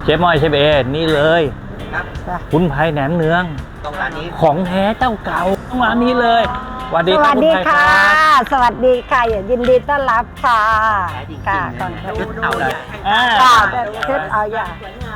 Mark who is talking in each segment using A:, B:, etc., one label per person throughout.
A: จ๊ม้อยเชฟเอนี่เลยคุณไพแหนมเนือง
B: ตรงร้านนี้
A: ของแท้เจ้าเก่าต้องร้านนี้เลยสวัส
C: ส
A: ดีครั
C: วั
A: บ
C: ส
A: คุณ
C: ดี
A: ไพค
C: ค่ะ
A: รับ
C: สวัสดีค่ะยินดีต้อนรับค่ะ
B: ขายจริง
C: ค่ะ
B: ๆ
C: ก่อน
B: นะ
C: ค่ะ
B: ชุดเอาเลย
C: ค่ะชุดเอาอย่าง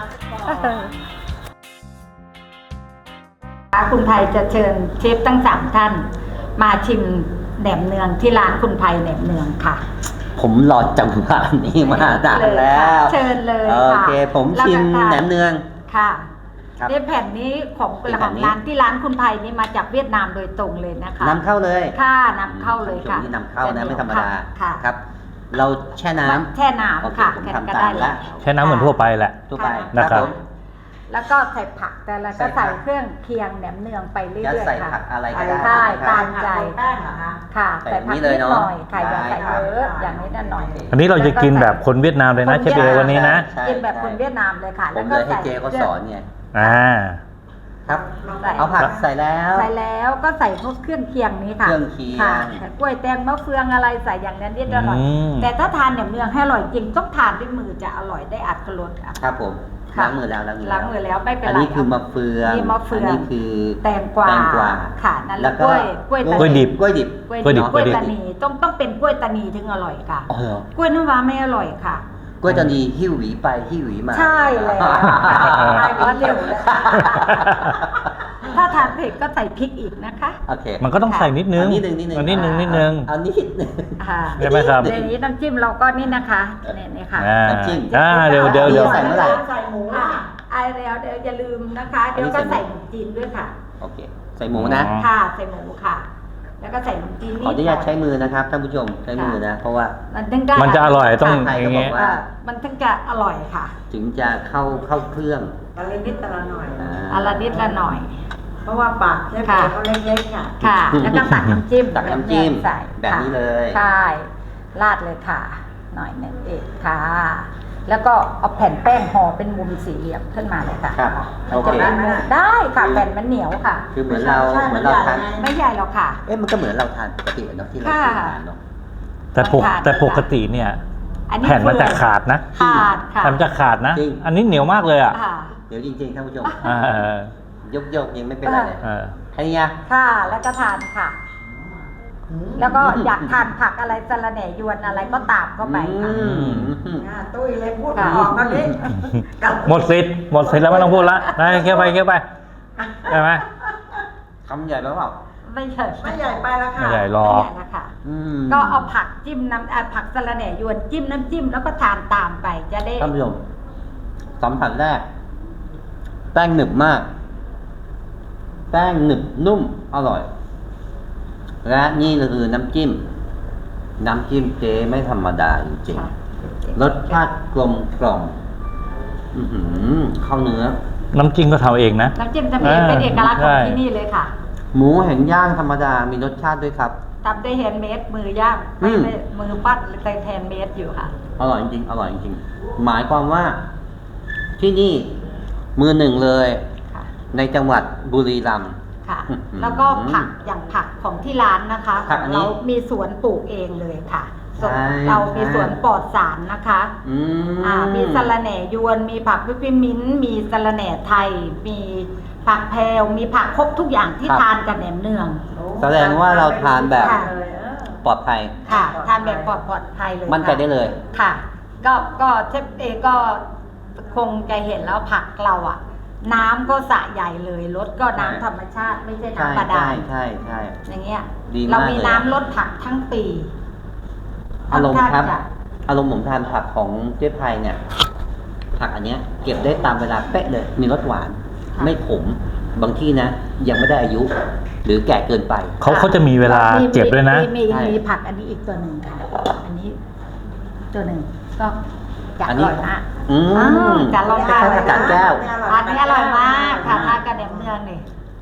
C: คุณไพจะเชิญเชฟทั้ง3ท่าน มาชิมแหนมเนืองที่ร้านคุณไพแหนมเนืองค่ะ
B: ผมรอจังหวะนี้มานานแล้ว
C: เชิญเลย
B: โอ
C: ค่ะ
B: เคผมชิมแหนมเนือง
C: ค่ะ
B: ครับ
C: นี่แผ่นนี้ของ
B: เป็นแผ่นนี้
C: ร้านที่ร้านคุณไพนี่มาจากเวียดนามโดยตรงเลยนะคะ
B: นำเข้าเลย
C: ค่ะนำเข้าเลยค่ะ
B: นี่นำเข้านะไม่ธรรมดา
C: ค่ะ
B: ครับ เราแช่น้ำ
C: แช่น้
B: โอเค
C: ำค่ะ
B: ผม
C: แค่
B: ทำ
C: ก็
B: ตาม
C: ได้
B: ละ
A: แช่น้ำเหมือนทั่วไปแหละ
B: ทั่วไป
A: นะครับ
B: ผม
C: แล้วก็ใส่ผักแต่ละก็
B: ใส่
C: ใส่
B: ผัก
C: เครื่องเคียงแหนมเนืองไปเรื่
B: จะ
C: อย
B: ใส่
C: ๆค่ะ
B: ผักอะไรก็ได้
C: ใช่
B: นะครับ
C: ตามใจ
D: แป้งเหรอคะ
C: ค่ะ
B: ใส่
C: ใส่ผัก
B: นี่
C: นิ
B: เลย
C: ด
B: เนอะ
C: หน่อยค่ะอย่า
B: ได้
C: ใส่
B: ครับ
C: เยอะอย่างนี้นั่นหน่อย
A: อันนี้เราจะกินแบบคนเวียดนามเลยนะเชฟเอวันนี้นะ
B: ใช่
C: กินแบบคนเวียดนามเลยค่ะ
B: ผ
C: แล้ว
B: ม
C: ก็
B: เลยให้
C: ใส่
B: เจ๊เขาสอนไง
A: อ่า
B: ครับ
C: ใส่
B: เอาผักใส่แล้ว
C: ใส่แล้วก็ใส่พวกเครื่องเคียงนี้ค่ะ
B: เครื่องเคียง
C: ค่ะแต่กล้วยแตงมะเฟืองอะไรใส่อย่างนั้นนิดหน่อย
A: อืม
C: แต่ถ้าทานแหนมเนืองให้อร่อยจริงต้องทานด้วยมือจะอร่อยได้อรรถรสค่ะ
B: ครับผม
C: ค่ะ
B: ล้างมือแล้ว
C: ล้างมือแล้วไม่เป็นไร
B: อันนี้คือมะเฟือง
C: นี่มะเฟือง
B: นนี้คือ
C: แตงกวา
B: แตงกวา
C: ค่ะนั่นแห
B: แล้
C: ละ
B: ว
C: ก
B: ก็
C: ล้วย
A: กล้วยดิบ
B: กล้วยดิบ
C: กล้วย
A: กล้วยดิบ
C: กล้วย
A: กล้วยดิบ
C: ตานีต้องเป็นกล้วยตานีถึงอร่อยค่ะ
B: อ๋อเหรอก
C: ล้วยน้ำว้าไม่อร่อยค่ะ
B: กล้วยตานีหิ้วหวีไปหิ้วหวีมา
C: ใช่แล้ว
D: ไปหมดเร็วเลย
C: ถ้าทานเผ็ดก็ใส่พริกอีกนะคะ
B: โอเค
A: มันก็ต้องใส่นิดนึง
B: นิดนึงนิดนึง
A: เอานิดนึงนิดนึง
B: เอานิดนึง
C: ค่ะ
A: ใช่ไหมครับ
C: เดี๋ยวนี้น้ำจิ้มเราก็นี่นะคะนี่ค่ะ
A: อ่า
B: น้ำจิ้ม
A: เดี๋ยว
B: ใส่เมื่อไหร่
D: ใส่หมู
C: อ่า
D: อ่ะ
C: ไอแล้วเดี๋ยวอย่าลืมนะคะ เดี๋ยวก็ใส่ขนมจีนด้วยค่ะ
B: โอเค ใส่หมูนะ
A: อ๋อ
C: ค่ะใส่หมูค่ะ แล้วก็ใส่ขนมจีน
B: ขออนุญาตใช้มือนะครับท่านผู้ชมใช้มือนะ เพราะว่า
C: มันถึงจะ
A: มันจะอร่อยต้อง
B: ใคร
A: อ
B: ก็
A: ย่าง
B: บอ
A: เงี้ย
B: กว่า
C: มันถึงจะอร่อยค่ะ
B: ถึงจะเข้าเครื่อง
D: ตะลินิดตะละหน่อย
C: อะละนิดละหน่อย
D: เพราะว่าปากเชฟ
C: ค่ะ
D: เขาเล็กๆค่ะ
C: ค่ะ แล้วก็ตักน้ำจิ้ม
B: ตักน้ำจิ้ม
C: ใส่
B: แบบนี้เลย
C: ใช่ราดเลยค่ะ หน่อยหนึ่งเอกค่ะ แล้วก็เอาแผ่นแป้งห่อเป็นมุมสี่เหลี่ยมขึ้นมาเลยค่ะ
B: ครับ
C: มัน
B: โอ
C: จะ
B: เค
C: เป็นมุมได้ค่ะแผ่นมันเหนียวค่ะ
B: คือเหมือนเราทาน
C: ไม่ใหญ่หรอกค่ะ
B: เอ๊ะมันก็เหมือนเราทานปกติเนาะที่เรา
C: ค่ะ
B: ทานเนาะ
A: แต่ปกติเนี่ย
C: อันนี้
A: แผ่นมันจะขาดนะ
C: ขาดค่ะ
A: แผ่นมันจะขาดนะ
B: จริง
A: อันนี้เหนียวมากเลยอ่ะ
C: ค่ะ
B: เดี๋ยวจริงๆท่านผู้ชม
A: อ่า
B: ยกยังไม่เป็นไรเลย
A: เออ
B: แค่นี้นะ
C: ค่ะแล้วก็ทานค่ะ แล้วก็อยากทานผักอะไรสะระแหน่ยวนอะไรก็ตามเข้าไปค่ะ
B: อืม
D: ตุ้ยเลยพูดออกตอนนี้
A: หมดสิทธิ์แล้วไม่ต้องพูดละได้เคี้ยวไปได้ไหม
B: คำใหญ่ไหมเปล่า
C: ไม่ใช่
D: ไม่ใหญ่ไปแล้วค่ะ
A: ไม่ใหญ่หร
C: ไม่
A: อก
C: ใหญ่ละค่ะ
B: อืม
C: ก็เอาผักจิ้มผักสะระแหน่ยวนจิ้มน้ำจิ้มแล้วก็ทานตามไปจะได้
B: ท่านผู้ชมสัมผัสแรก แป้งหนึบมาก แป้งหนึบนุ่มอร่อย และนี่คือน้ำจิ้ม น้ำจิ้มเจ๊ไม่ธรรมดาจริงๆรสชาติกลมกล่อมอื้อหือเข้าเนื้อ
A: น้ำจิ้มก็ทำเองนะ
C: น้ำจิ้มจะมีเป็นเอกลักษณ์ของที่นี่เลยค่ะ
B: หมูแห่งย่างธรรมดามีรสชาติด้วยครับ
C: ทำด้วยแฮนด์เมดมือย่าง
B: อืม
C: ไม่มือปั้นแต่แฮนด์เมดอยู่ค่ะ
B: อร่อยจริงๆอร่อยจริงๆหมายความว่า ที่นี่มือหนึ่งเลย
C: ค่ะ
B: ในจังหวัดบุรีรัมย์
C: ค่ะ
B: อื้อหือ
C: แล้วก็ผักอย่างผักของที่ร้านนะคะ
B: ผักอันนี้
C: เรามีสวนปลูกเองเลยค่ะสวน
B: ใช่
C: เรามีสวนปลอดสารนะคะ
B: อืม
C: มีสะระแหน่ยวน มีผักวิปมิ้นท์มีสะระแหน่ไทย มีผักแพรวมีผักครบทุกอย่างที่ทานกับแหนมเนือง
B: แสดงว่าเราทานแบบ
C: ค่ะ
B: ปลอดภัย
C: ค่ะ ทานแบบปลอดภัยเลย
B: มั่นใจได้เลย
C: ค่ะ ก็เชฟเอก็คงจะเห็นแล้วผักเราอ่ะ น้ำก็สระใหญ่เลยรสก็น้ำธรรมชาติไม่ใช่
B: ใช่
C: น้ำบาดา
B: ใช่
C: ล
B: ใช่
C: อย่างเงี้ย
B: ดีมาก
C: เรามี
B: เลย
C: น้ำลดผักทั้งปี
B: อารมณ์ครับ
C: ค่อนข้างจะ
B: อารมณ์ผมทานผักของเจ๊ไพเนี่ย ผักอันเนี้ย เก็บได้ตามเวลาเป๊ะเลย มีรสหวาน ไม่ขม บางที่นะ ยังไม่ได้อายุ หรือแก่เกินไป
A: เขาจะมีเวลาเก็บด้วยนะ
C: มี
B: ใช่
C: มีผักอันนี้อีกตัวหนึ่งค่ะ อันนี้ ตัวหนึ่งก็จะ
B: อั
C: อน
B: นี้
C: ร่อยมาก
B: อืม
C: จะลองทาน
B: จานแก้ว
C: อันนี้อร่อยมากค่ะทานกับแหนมเนืองนี่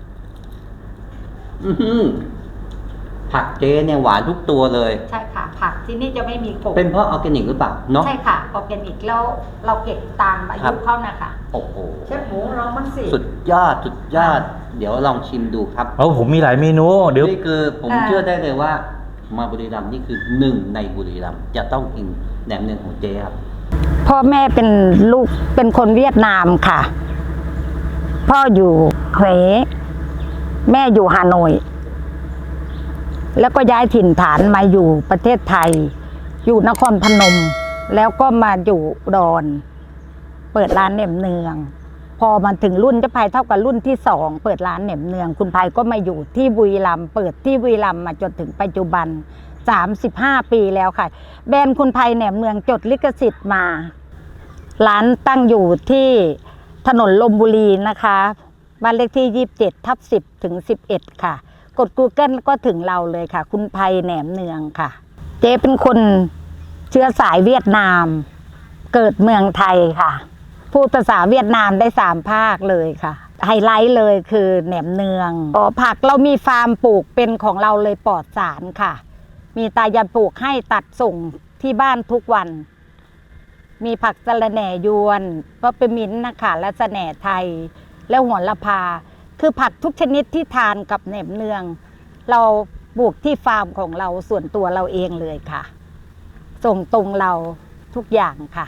B: อื้อหือผักเจ๊เนี่ยหวานทุกตัวเลย
C: ใช่ค่ะ ผักที่นี่จะไม่มีขม
B: เป็นเพราะออร์แกนิกหรือเปล่าเนาะ
C: ใช่ค่ะออร์แกนิกแล้วเราเก็บตามอา
B: ครั
C: ยุ
B: บ
C: เขานะคะ
B: โอ้โห
D: เชฟหมูลองมันสิ
B: สุดยอด สุดยอด เดี๋ยวลองชิมดูครับ
A: ผมมีหลายเมนูเดี๋ยว
B: นี่คือผมเชื่อได้เลยว่า มาบุรีรัมย์นี่คือหนึ่งในบุรีรัมย์จะต้องกินแหนมเนืองของเจ๊ครับ
C: พอพ่อแม่เป็นลูกเป็นคนเวียดนามค่ะ พ่ออยู่เขวแม่อยู่ฮานอยแล้วก็ย้ายถิ่นฐานมาอยู่ประเทศไทย อยู่นครพนม แล้วก็มาอยู่อุดรเปิดร้านแหนมเนือง พอมาถึงรุ่นเจ้าพายเท่ากับรุ่นที่สองเปิดร้านแหนมเนือง คุณพายก็มาอยู่ที่บุรีรัมย์เปิดที่บุรีรัมย์มาจนถึงปัจจุบัน35 ปีแล้วค่ะ แบรนด์คุณพายแหนมเนืองจดลิขสิทธิ์มา ร้านตั้งอยู่ที่ถนนลมบุรีนะคะบ้านเลขที่27/10 ถึง 11 ค่ะ กด Google ก็ถึงเราเลยค่ะ คุณไพแหนมเนืองค่ะ เจ๊เป็นคนเชื้อสายเวียดนาม เกิดเมืองไทยค่ะ พูดภาษาเวียดนามได้3 ภาคเลยค่ะ ไฮไลท์เลยคือแหนมเนืองผักเรามีฟาร์มปลูกเป็นของเราเลยปลอดสารค่ะ มีตายายปลูกให้ตัดส่งที่บ้านทุกวัน มีผักสะระแหน่ยวนเปปเปอร์มินต์นะคะและสะแหน่ไทย และโหระพา คือผักทุกชนิดที่ทานกับแหนมเนือง เราปลูกที่ฟาร์มของเราส่วนตัวเราเองเลยค่ะ ส่งตรงเราทุกอย่างค่ะ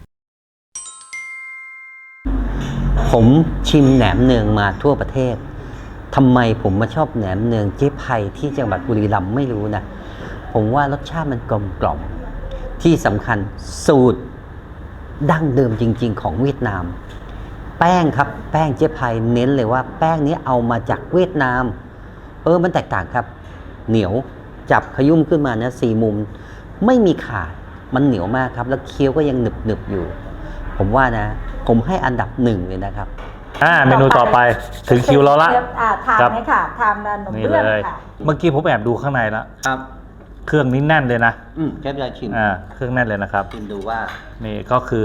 B: ผมชิมแหนมเนืองมาทั่วประเทศทำไมผมมาชอบแหนมเนืองเจ๊ไพที่จังหวัดบุรีรัมย์ไม่รู้นะ ผมว่ารสชาติมันกลมกล่อมที่สำคัญสูตรดั้งเดิมจริงๆของเวียดนาม แป้งครับแป้งเจ๊ไพเน้นเลยว่าแป้งนี้เอามาจากเวียดนามมันแตกต่างครับ เหนียวจับขยุ่มขึ้นมานะ4 มุมไม่มีขาดมันเหนียวมากครับแล้วเคี้ยวก็ยังหนึบๆอยู่ ผมว่านะผมให้อันดับ1เลยนะครับ
A: เมนูต่อไปถึงคิวเราละ
C: ทานไหมค่ะทานขนม
A: นี่
C: เบื้อง
A: เลย
C: ค่ะ
A: เมื่อกี้ผมแอบดูข้างในแล้ว
B: ครับ
A: เครื่องนี้แน่นเลยนะ
B: เชฟจะชิม
A: เครื่องแน่นเลยนะครับ
B: ชิมดูว่า
A: นี่ก็คือ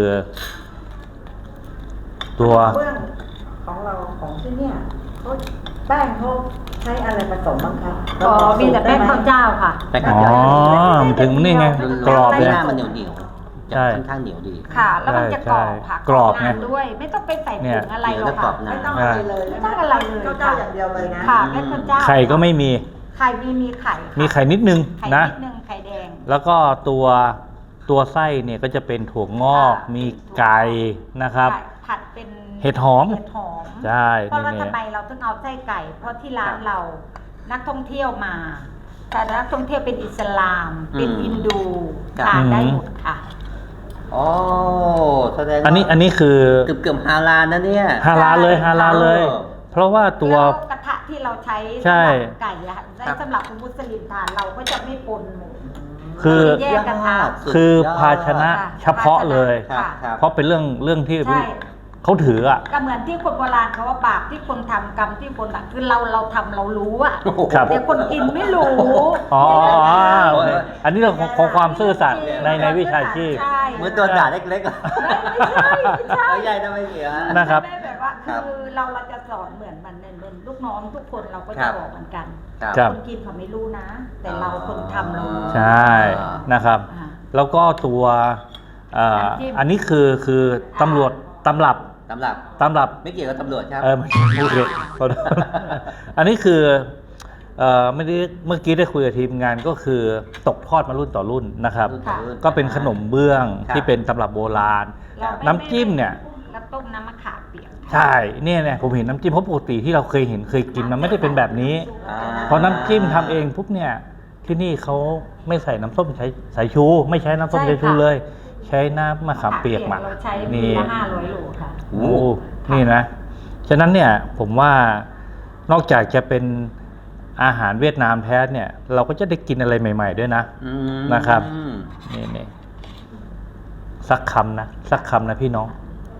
A: ตัว
D: เบื้องของเราของที่เนี่ยเขาแป้งเขาใช้อะไรผสมบ้างครับ
C: มีแต่แป้งข้าวเจ้าค่ะ
B: แป้ง
A: อ๋
B: ข้าว
A: อ
B: เจ้า
A: ถึงนี่ไงกรอบ
B: ห
A: เลย
B: น้ามันเหนียวๆ
A: ใช่
B: จะค่อนข้างเหนียวดี
C: ค่ะ แล้วมันจะกรอบค่ะ
A: กรอบไง
C: นานด้วย ไม่ต้องไปใส่
A: เนี่
C: ถุ
A: ย
C: งอะไรหรอก
B: แล้วกรอ
C: ค่ะ
B: บนาน
D: ไม่ต้องอะไรเลย
C: ไม่ต้องอะไรเลย
D: ข้าวเจ้าอย่างเดียวเลยนะ
C: ค่ะแป้งข้าวเจ้า
A: ไข่ก็ไม่มี
C: ไข่มีไข่ค่ะ
A: มีไข่นิดนึง
C: ไข่
A: นะ
C: นิดนึงไข่แดง
A: แล้วก็ตัวไส้เนี่ยก็จะเป็นถั่วงอก มีไก่นะครับ
C: ไก่ผัดเป็น
A: เห็ดหอม
C: เห็ดหอม
A: ใช่
C: เพราะว่า
A: นี่
C: ทำไมเราต้องเอาไส้ไก่ เพราะที่ร้านเรานักท่องเที่ยวมา แต่นักท่องเที่ยวเป็นอิสลาม เป็นฮินดู
B: ครับ
C: ทานได้หมดค่ะ
B: อ๋อแสดงว่า
A: อันนี้คือ
B: เกือบฮาลาลนะเนี่ย
A: ฮาลาลเลยฮาลาลเลย
B: เออ
A: เพราะว่าตัว
C: แล้วกระทะที่เราใช้
A: ใช่
C: สำหรับไก่อะใช้สำหรับมุสลิมทานเราก็จะไม่ปนหมู
A: คือ
C: แยกกระทะ
A: คือภาชนะเฉพาะเลย
B: ครับครับ
A: เพราะเป็นเรื่องที่
C: ใช่
A: เขาถืออ่ะ
C: ก็เหมือนที่คนโบราณเขาว่าบาปที่คนทำกรรมที่คนอะคือเราทำเรารู้อะ
B: โอ้โห
A: ครับ
C: แต่คนกินไม่รู้
A: อ๋อ
B: โอเค
A: อันนี้เรื่องของความซื่อสัตย์ในวิชาชีพ
C: ใช่
B: เหมือนตัวด่าเล็กๆอะ
C: ไม่ใช่ไม่ใช่
B: เอาใหญ่ทำไมเสีย
A: นะครับ
C: ไม่ได้แบบว่า
B: ครับ
C: คือเราจะสอนเหมือนมันเหมือนลูกน้องทุกคนเราก็
B: ครั
C: จะ
B: บ
C: บอกเหมือนกัน
A: ครับ
C: คนกินเขาไม่รู้นะ แต่เราคนทำเรารู้
A: ใช่นะครับ
C: อ่า
A: แล้วก็ตัว
C: น้ำจิ้ม
A: อันนี้คือตำรวจตำรับ
B: สำหรับ
A: ตำรับ
B: ไม่เกี่ยวกับตำรวจครับ
A: ไม่โอเคขอโทษอันนี้คือไม่ได้เมื่อกี้ได้คุยกับทีมงานก็คือตกทอดมารุ่นต่อรุ่นนะครับ
B: รุ่นต่อรุ่น
A: ก็เป็นขนมเบื้อง
B: ครับ
A: ที่เป็นตำรับโบราณ
C: เราไม่
A: น้ำจิ้มเนี่ย
C: แล้วต้มน้ำมะขามเปียก
A: ใช่เนี่ยผมเห็นน้ำจิ้มเพราะปกติที่เราเคยเห็นเคยกินมันไม่ได้เป็นแบบนี้
B: อ่า
A: พอน้ำจิ้มทำเองปุ๊บเนี่ยที่นี่เขาไม่ใส่น้ำส้มสายชู ไม่ใช้น้ำส้มสายชูเลย ใช้น้ำมะขามเปียกหมัก
C: เราใช้ปี
A: นี่
C: ละ500 โลค่ะ
A: โอ้นี่นะฉะนั้นเนี่ยผมว่านอกจากจะเป็นอาหารเวียดนามแท้เนี่ย เราก็จะได้กินอะไรใหม่ ๆ ด้วยนะ
B: อืม
A: นะครับ นี่สักคำนะพี่น้อง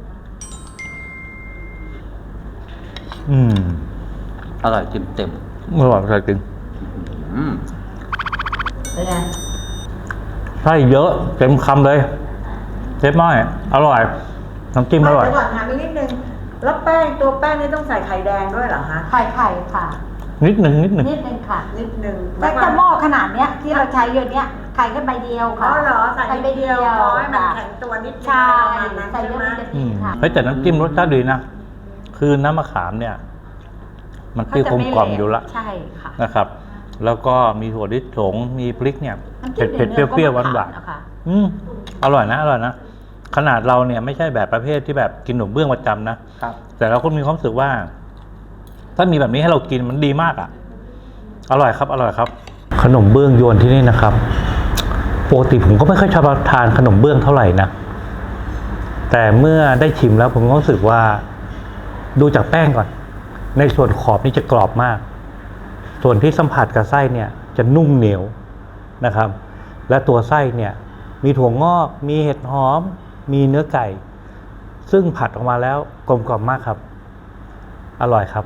B: อร่อยเต็ม
A: อร่อยจริง
B: ๆอืม
D: เป็นไง
A: ใช่เยอะเต็มคำเลยเชฟน้อยอร่อยน้ำจิ้มอร่อย
D: เดี๋ยวก่อนถามอีกนิดนึง แล้วตัวแป้งนี่ต้องใส่ไข่แดงด้วยเหรอคะ
C: ไข่ค่ะ
A: นิดหนึ่ง
C: นิดนึงค่ะ
D: นิดนึง
C: แต่จะหม้อขนาดเนี้ยที่เราใช้อยู่เนี้ยไข่แค่ใบเดียว
D: อ๋
C: ค่ะ
D: อเหรอใส่นิดเดียวพอให้มัน
C: ค่ะ
D: แข็งตัวนิดนึง
C: ใช่
D: ประมาณนั้น
C: ใส่
D: ใช่
C: เยอะ
D: ไหม
C: มันจะดีค่ะ
A: เฮ้ยแต่น้ำจิ้มรสชาติดีนะคือน้ำมะขามเนี่ย มันเปรี้ยวกลมกล่อมอยู่ละ
C: ใช่ค่ะ
A: นะครับ แล้วก็มีถั่วลิสงมีพริกเนี่ย
C: น้ำจิ้
A: เผ็
C: ม
A: ดเปรี้ยวๆหวาน
C: นะคะ
A: ๆอร่อยนะขนาดเราเนี่ยไม่ใช่แบบประเภทที่แบบกินขนมเบื้องประจำนะครับ แต่เราก็มีความรู้สึกว่า ถ้ามีแบบนี้ให้เรากินมันดีมากอ่ะ อร่อยครับ อร่อยครับ ขนมเบื้องยวนที่นี่นะครับปกติผมก็ไม่ค่อยชอบทานขนมเบื้องเท่าไหร่นะแต่เมื่อได้ชิมแล้วผมก็รู้สึกว่าดูจากแป้งก่อน ในส่วนขอบนี่จะกรอบมาก ส่วนที่สัมผัสกับไส้เนี่ยจะนุ่มเหนียวนะครับ และตัวไส้เนี่ยมีถั่วงอก มีเห็ดหอม มีเนื้อไก่ ซึ่งผัดออกมาแล้วกลมกล่อมมากครับ อร่อยครับ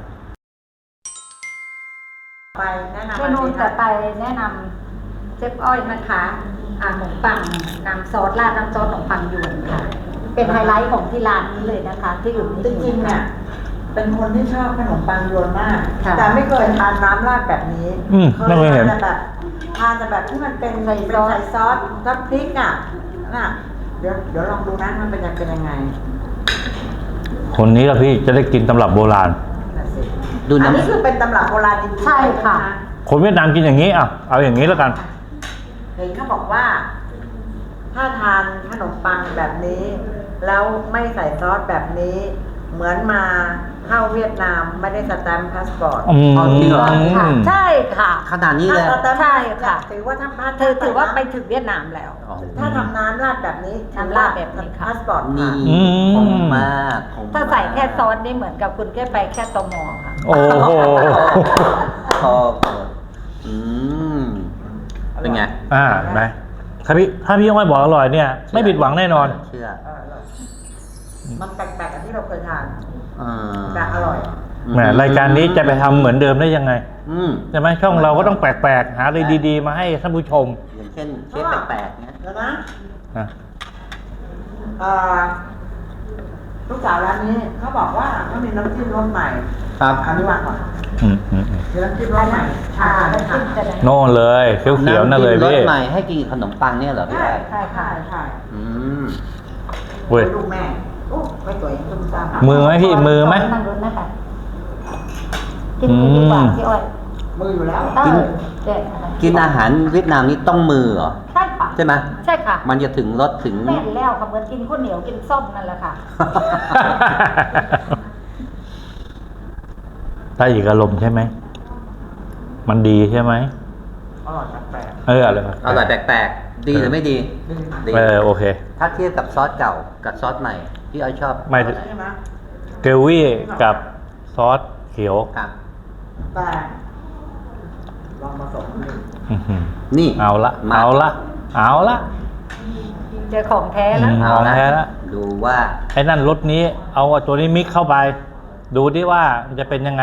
D: ไปแนะนำ
C: เมนูต่อไปแนะนำเชฟอ้อยนะคะขนมปังน้ำซอสราดน้ำซอสขนมปังยวนค่ะ เป็นไฮไลท์ของที่ร้านนี้เลยนะคะ ที่อื่นไม่
D: จ
C: มี
D: ริงๆเนี่ยเป็นคนที่ชอบขนมปังยวนมาก
C: ค่ะ
D: แต่ไม่เคยทานน้ำราดแบบนี้
A: ไม่เคยเห็น
D: ทานแต่แบบที่มันเป็นใส่ซอสก็พริกอ่ะน่ะเดี๋ยวลองดูนะมันเป็นยังไง
A: คนนี้ละพี่จะได้กินตำรับโบราณ
D: น่ะสิ
B: ดู
D: อัน
B: น้ำ
D: นี้คือเป็นตำรับโบราณจริงๆ
C: ใช่ค่ะ
A: คนเวียดนามกินอย่างนี้อ่ะเอาอย่างนี้แล้วกัน
D: เห็นเขาบอกว่า ถ้าทานขนมปังแบบนี้ แล้วไม่ใส่ซอสแบบนี้ เหมือนมาเข้าเวียดนามไม่ได้สแตมป์พาสปอร์ต
A: อืม
B: อ๋อจริงเหรอ
C: ค่ะใช่ค่ะ
B: ขนาดนี้เลย
D: ถ้าสแตมป์
C: ใช่ค่ะ
D: ถือว่าถ้า
C: ถือว่าไปถึงเวียดนามแล้ว
B: อ๋อ
D: ถ้าทำน้ำราดแบบนี้
C: น้ำราดแบบนี้ค่ะ
D: พาสปอร์ต
B: นี่
A: อืม
B: คงมากคงมก
C: ถ้าใส่แค่ซอสนี่เหมือนกับคุณแค่ไปแค่ตมค่ะ
A: โอ้โห
B: พออืมเป็นไง
A: ไหมถ้าพี่ยังไม่บอกอร่อยเนี่ย ไม่ผิดหวังแน่นอน
B: เชื่อ
D: มันแปลกๆกับที่เราเคยทาน
B: อ่า
D: แต่อร่อย
A: แหมรายการนี้จะไปทำเหมือนเดิมได้ยังไง
B: อืม
A: ใช่ไหมช่องเราก็ต้องแปลกๆ หาอะไรดีๆ มาให้ท่านผู้ชม
B: อย่างเช่นเชฟแปลกๆเนี้ย
D: เดี๋ยวนะ
A: นะ
D: เอ่อลูกสาวร้านนี้เขาบอกว่าเขามีน้ำจิ้มรสใหม่
B: ครับ
D: อันนี้ว่าก่อน
A: อืม
D: มีน้ำจิ้มรสใหม่
C: น้ำจิ้มจะได้
A: โน่นเลยเขียวๆนั่นเลย
B: ำจิ้มร
A: พี่
B: สใหม่ให้กินขนมปังเนี่ยเหรอพี่
D: ใช่
B: ไอ้
D: ใช่ค่ะใช่
B: อืม
A: เว้ย
D: ลูกแม่โอ้ไม่สวยตุ้มตาม
A: มือไหมพี่มือไหม
C: นั่งรถนะคะกินดีกว่าพี่อ้อย
D: มืออยู่แล้ว
C: เออเด็ด
B: กินอาหารเวียดนามนี่ต้องมือเหรอ
C: ใช่ค่ะ
B: ใช่ไหม
C: ใช่ค่ะ
B: มันจะถึงรสถึง
C: แม่นแล้วค่ะเหมือนกินข้าวเหนียวกินส้มนั่นแหละค่ะ
A: ได้อีกอารมณ์ใช่ไหม มันดีใช่ไหม
D: อร่อยแปลก
A: อร่อย
B: อร่อยแปลกๆ ดีหรือไม่ดี ดี
A: โอเค
B: ถ้าเทียบกับซอสเก่ากับซอสใหม่พี่อ้อยชอบ
A: ไม่
D: ๆใช่ไหม
A: เกรวี่กับซอสเขียว
B: ครับ
D: แต่ลองผสมดู
A: อื้อหือ
B: นี่
A: เอาละ
B: มา
A: เอาละเอาละ
C: เจอของแท้แล้ว
A: อืม
B: เอาละ
A: ของแท้ละ
B: ดูว่า
A: ไอ้นั่นรสนี้ เอาตัวนี้มิกเข้าไป ดูดิว่ามันจะเป็นยังไง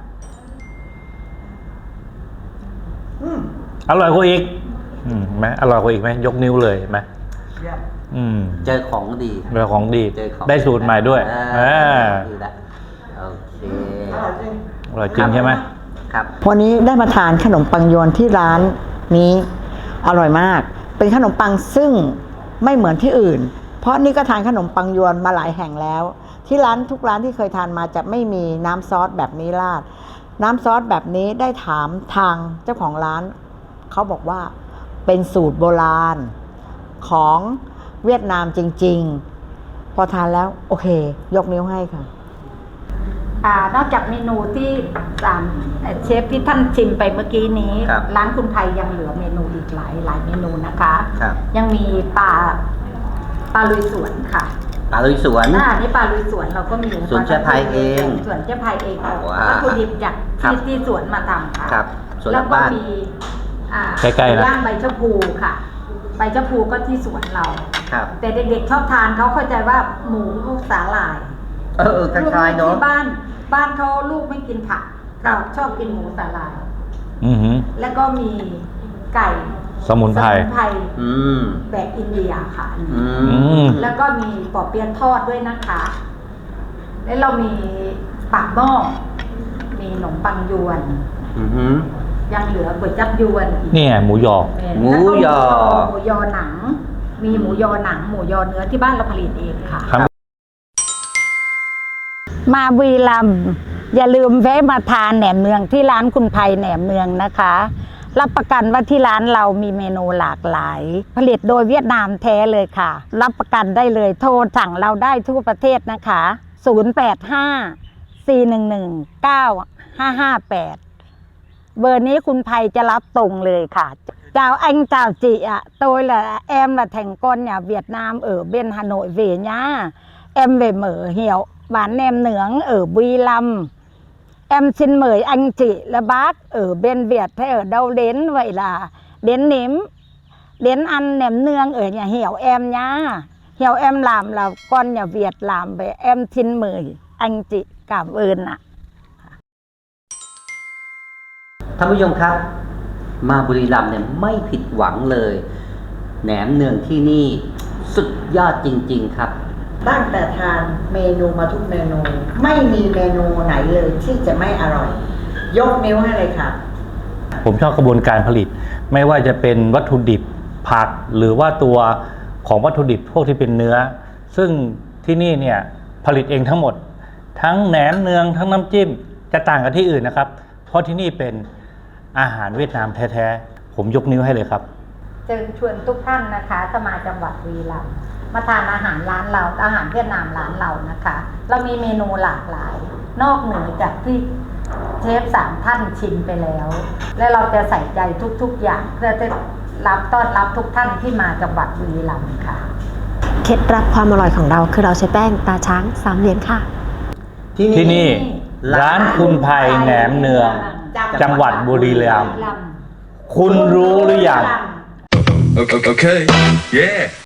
D: อืม
A: อร่อยกว่าอีกไหมอร่อยกว่าอีกไหมยกนิ้วเลยเห็นไหม
D: เยี่ยม
B: เจอของดี
A: เรื่องของดี
B: เจอของ
A: ได้สูตรใหม่ด้วย
B: ดีละโอเค
D: อร่อยจริง
A: อร่อยจริงใช่ไหม
B: ครับ
D: วันนี้ได้มาทานขนมปังยวนที่ร้านนี้อร่อยมาก เป็นขนมปังซึ่งไม่เหมือนที่อื่น เพราะนี่ก็ทานขนมปังยวนมาหลายแห่งแล้ว ที่ร้านทุกร้านที่เคยทานมาจะไม่มีน้ำซอสแบบนี้ราด น้ำซอสแบบนี้ได้ถามทางเจ้าของร้าน เขาบอกว่าเป็นสูตรโบราณของเวียดนามจริงๆ พอทานแล้วโอเค ยกนิ้วให้ค่ะ
C: นอกจากเมนูที่เชฟที่ท่านชิมไปเมื่อกี้นี้
B: ครับ
C: ร้านคุณไทยยังเหลือเมนูอีกหลายเมนูนะคะ
B: ครับ
C: ยังมีปลาลุยสวนค่ะ
B: ปลาลุยสวน
C: นี่ปลาลุยสวนเราก็มี
B: สวนเจ๊ไพเอง
C: สวนเจ๊ไพเองเอา
B: ว้าว
C: วัตถุดิบจาก
B: ครับ
C: ที่สวนมาทำค่ะ
B: ครับสวนห
C: แล้
B: ลั
C: ว
B: ง
C: ก็
B: บ้าน
C: มี
A: ใกล้ๆนะ
C: ย่างใบชะพูค่ะ ใบชะพูก็ที่สวนเรา
B: ครับ
C: แต่เด็กๆชอบทานเขาเข้าใจว่าหมูลูกสาหร่าย
B: คล้ายๆเนาะ
C: ที่บ้านเขาลูกไม่กินผัก
B: ครั
C: เรา
B: บ
C: ชอบกินหมูสาหร่าย
A: อือหือ
C: แล้วก็มีไก่
A: สมุนไพร
B: อืม
C: แบบอินเดียค่ะ
B: อื
A: อื
B: ม
A: ม
C: แล้วก็มีปอเปี๊ยะทอดด้วยนะคะ แล้วเรามีปากหม้อมีขนมปังยวน
B: อือหือ
C: ยังเหลือก๋วยจับยวนอีก
A: นี่ไงหมูยอ
B: หมูยอ
C: หมูยอหนัง มีหมูยอหนัง หมูยอเนื้อที่บ้านเราผลิตเองค่ะ
A: ครับ
C: มาบุรีรัมย์อย่าลืมแวะมาทานแหนมเนืองที่ร้านคุณไพแหนมเนืองนะคะรับประกันว่าที่ร้านเรามีเมนูหลากหลาย ผลิตโดยเวียดนามแท้เลยค่ะ รับประกันได้เลยโทรสั่งเราได้ทั่วประเทศนะคะ 085-411-9558 เบอร์นี้คุณภัยจะรับตรงเลยค่ะ chào anh chào chị ạ, tôi là em là thành con nhà Việt Nam ở bên Hà Nội về nhá. Em về mở hiệu bán nem nướng ở Buy Lâm. Em xin mời anh chị là bác ở bên Việt hay ở đâu đến, vậy là đến ăn nem nướng ở nhà hiệu em nhá. Hiệu em làm là con nhà Việt làm, vậy em xin mời anh chị, cảm ơn ạ.
B: ท่านผู้ชมครับ มาบุรีรัมย์เนี่ยไม่ผิดหวังเลย แหนมเนืองที่นี่สุดยอดจริงๆครับ
D: ตั้งแต่ทานเมนูมาทุกเมนู ไม่มีเมนูไหนเลยที่จะไม่อร่อย ยกนิ้วให้เลยค่ะ
A: ผมชอบกระบวนการผลิต ไม่ว่าจะเป็นวัตถุดิบผักหรือว่าตัวของวัตถุดิบพวกที่เป็นเนื้อ ซึ่งที่นี่เนี่ยผลิตเองทั้งหมด ทั้งแหนมเนืองทั้งน้ำจิ้มจะต่างกับที่อื่นนะครับ เพราะที่นี่เป็นอาหารเวียดนามแท้ๆผมยกนิ้วให้เลยครับ
C: เชิญชวนทุกท่านนะคะถ้ามาจังหวัดบุรีรัมย์มาทานอาหารร้านเราอาหารเวียดนามร้านเรานะคะ เรามีเมนูหลากหลาย นอกเหนือจากที่เชฟ3ท่านชิมไปแล้ว และเราจะใส่ใจทุกๆอย่างเพื่อจะต้อนรับทุกท่านที่มาจังหวัดบุรีรัมย์ค่ะ
E: เคล็ดลับความอร่อยของเราคือเราใช้แป้งตาช้าง3เหรียญค่ะ
A: ที่นี่ร้านคุณภัยแหนมเนืองจังหวัดบุรีรัมย์คุณรู้หรือยัง
F: Okay. Yeah.